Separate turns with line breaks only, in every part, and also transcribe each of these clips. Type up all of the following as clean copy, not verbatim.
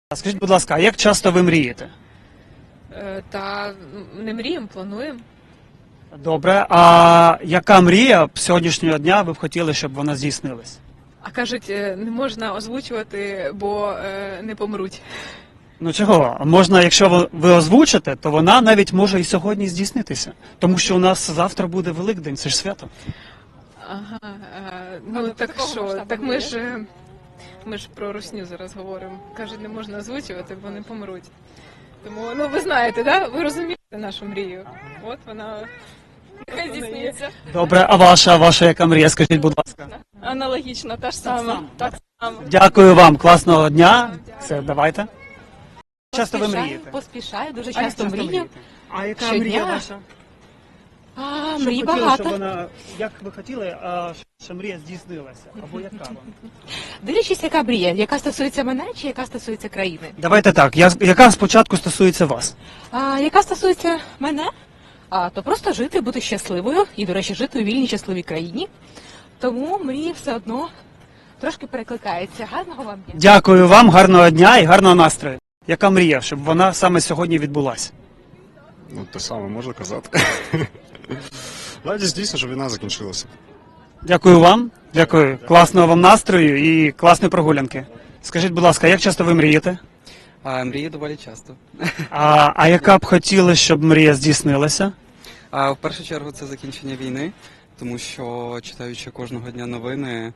А скажіть, будь ласка, а як часто ви мрієте?
Та не мріємо, плануємо.
Добре, а яка мрія б сьогоднішнього дня ви б хотіли, щоб вона здійснилась?
А кажуть, не можна озвучувати, бо не помруть.
Ну чого? Можна, якщо ви озвучите, то вона навіть може і сьогодні здійснитися. Тому що у нас завтра буде Великдень, це ж свято.
Ага, ну так що, так ми ж про русню зараз говоримо. Кажуть, не можна озвучувати, бо не помруть. Тому, ну ви знаєте, да? Ви розумієте нашу мрію. От вона нехай здійснюється.
Добре, а ваша яка мрія? Скажіть, будь ласка.
Аналогічно, та ж сама. Так само.
Дякую вам, класного дня. Все, давайте. Часто ви мрієте?
Поспішаю, дуже
А як
часто мрію.
мрієте? А яка
Щодня.
мрія ваша?
Мрій
Щоб хотіли,
багато.
щоб вона, як ви хотіли, щоб мрія здійснилася? Або яка вам?
Дивлячись, яка мрія, яка стосується мене чи яка стосується країни.
Давайте так, яка спочатку стосується вас?
Яка стосується мене, то просто жити, бути щасливою і, до речі, жити у вільній щасливій країні. Тому мрії все одно трошки перекликаються. Гарного вам дня.
Дякую вам, гарного дня і гарного настрою. Яка мрія, щоб вона саме сьогодні відбулася?
Ну, те саме можна казати. Радість дійсно, щоб війна закінчилася.
Дякую вам, дякую. Класного вам настрою і класної прогулянки. Скажіть, будь ласка, як часто ви мрієте?
Мрію доволі часто.
А яка б хотіли, щоб мрія здійснилася?
В першу чергу це закінчення війни, тому що, читаючи кожного дня новини,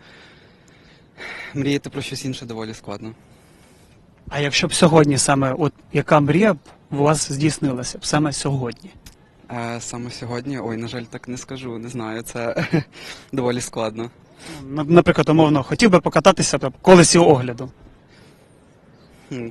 мріяти про щось інше доволі складно.
А якщо б сьогодні саме, от яка мрія б у вас здійснилася б саме сьогодні?
Саме сьогодні, на жаль, так не скажу, не знаю, це доволі складно.
Наприклад, умовно, хотів би покататися по колесі огляду.
Хм.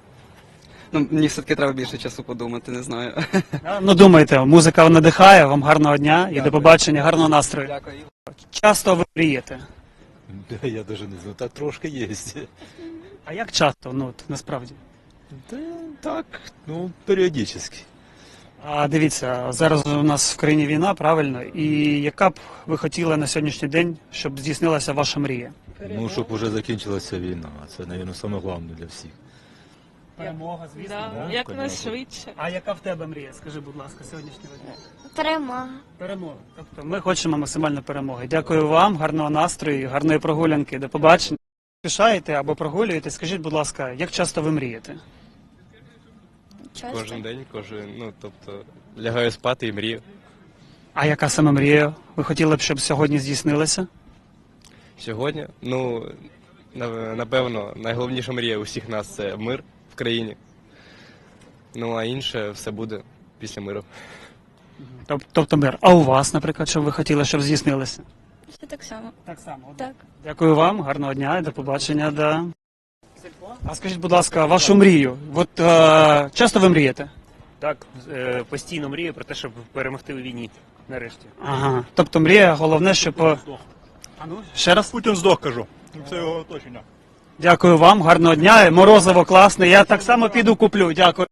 Ну, мені все-таки треба більше часу подумати, не знаю.
Ну думайте, музика надихає, вам гарного дня і до побачення, гарного настрою.
Дякую.
Часто ви мрієте?
Да, я даже не знаю, та трошки є.
А як часто, ну от, насправді?
Да, так, ну, періодично.
А дивіться, зараз у нас в країні війна, правильно? І яка б ви хотіли на сьогоднішній день, щоб здійснилася ваша мрія?
Ну, щоб уже закінчилася війна, це, мабуть, саме головне для всіх.
Перемога, звісно.
Да,
Як
конечно.
найшвидше.
А яка в тебе мрія? Скажи, будь ласка, сьогоднішнього дня?
Перемога.
Перемога. Тобто ми хочемо максимально перемоги. Дякую вам, гарного настрою, гарної прогулянки. До побачення. Пішаєте або прогулюєте, скажіть, будь ласка, як часто ви мрієте?
Часто.
Кожен день, тобто лягаю спати і мрію.
А яка саме мрія ви хотіли б, щоб сьогодні здійснилася?
Сьогодні, напевно, найголовніша мрія усіх нас це мир в країні. Ну а інше все буде після миру.
Тобто мир. А у вас, наприклад, що ви хотіли, щоб здійснилося?
Це так само.
Так само.
Так.
Дякую вам, гарного дня і до побачення. Да. А скажіть, будь ласка, вашу мрію. От часто ви мрієте?
Так, постійно мрію про те, щоб перемогти у війні. Нарешті.
Ага. Тобто мрія, головне, щоб... Ще раз?
Путін здох, кажу. Це його оточення.
Дякую вам, гарного дня. Морозиво класне. Я так само піду куплю. Дякую.